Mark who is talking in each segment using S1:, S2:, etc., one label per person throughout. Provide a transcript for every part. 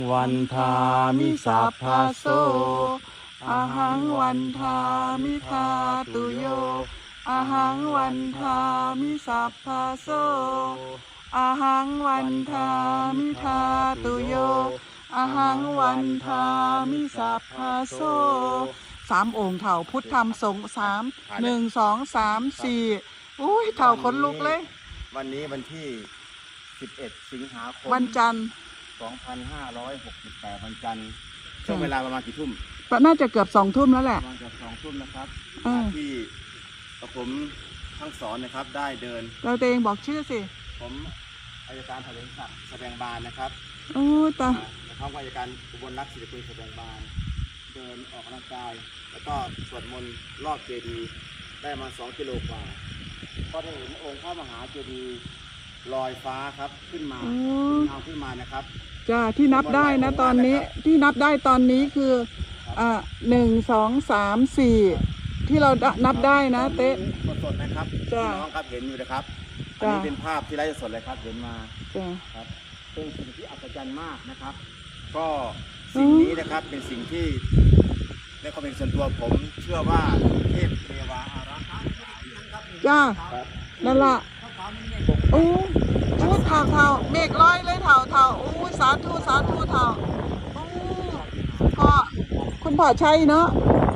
S1: วันทามิสัพพะโสอะหังวันทามิทาตุโยอะหังวันทามิสัพพะโสอะหังวันทามิทาตุโยอะหังวันทามิสัพพะโสสามองค์เถ่าพุทธธรรมสงฆ์1 2 3 4อุ้ยเถ่าขนลุกเลย
S2: วันนี้วันที่11 สิงหาคม
S1: วันจันทร์
S2: 2568วันจันทร์ช่วงเวลาประมาณกี่ทุ่ม
S1: น่าจะเกือบ2 ทุ่มแล้วแหละ
S2: ประมาณเกือบ2 ทุ่มนะครับที่กระผมทั้งสอนนะครับได้เดิน
S1: เราเองบอกชื่อสิ
S2: ผมอัยการแถลงศักดิ์แสดงบานนะครับ
S1: โอ้ตา
S2: พร้อมอัยการอุบลรัตน์ศิริกุลแสดงบานเดินออกกำลังกายแล้วก็สวดมนต์รอบเจดีย์ได้มา2 กิโลกว่าก็ได้เห็นองค์พระมหาเจดีย์ลอยฟ้าครับขึ้นมาเงาขึ้นมานะครับ
S1: จ้าที่นับได้นะตอนนี้ที่นับได้ตอนนี้คือ1 2 3 4ที่เรานับได้นะเต๊ะ
S2: สดๆนะครับน้องครับเห็นอยู่นะครับอันนี้เป็นภาพที่ไลฟ์สดเลยครับเห็นมาครับเป็นสิ่งที่อัศจรรย์มากนะครับก็สิ่งนี้นะครับเป็นสิ่งที่ในความเป็นส่วนตัวผมเชื่อว่าเทพเทวาอารักษ์
S1: จ้านั่นล่ะโอ้พูดเท่าเมฆลอยเลยเท่าโอ้สาธุเท่าพ่อคุณพ่อชัยเนาะ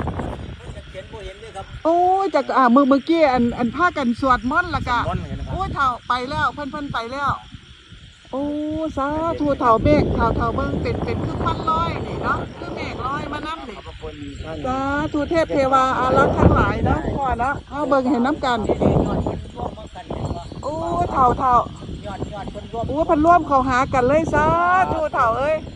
S1: โอ้จากเมื่อกี้อันพากันสวดมนต์ละกะโอ้เท่าไปแล้วเพิ่นไปแล้วโอ้สาธุเท่าเมฆเท่าเบิ่งเป็นคือควันลอยนี่เนาะคือเมฆลอยมานั่นนี่สาธุเทพเทวาอารักษ์ทั้งหลายนะพ่อนะเอาเบิ่งเห็นน้ำกันโอ้เท่าโอ้พันร่วมเขาหากันเลยสาธุเท่าเอ้ย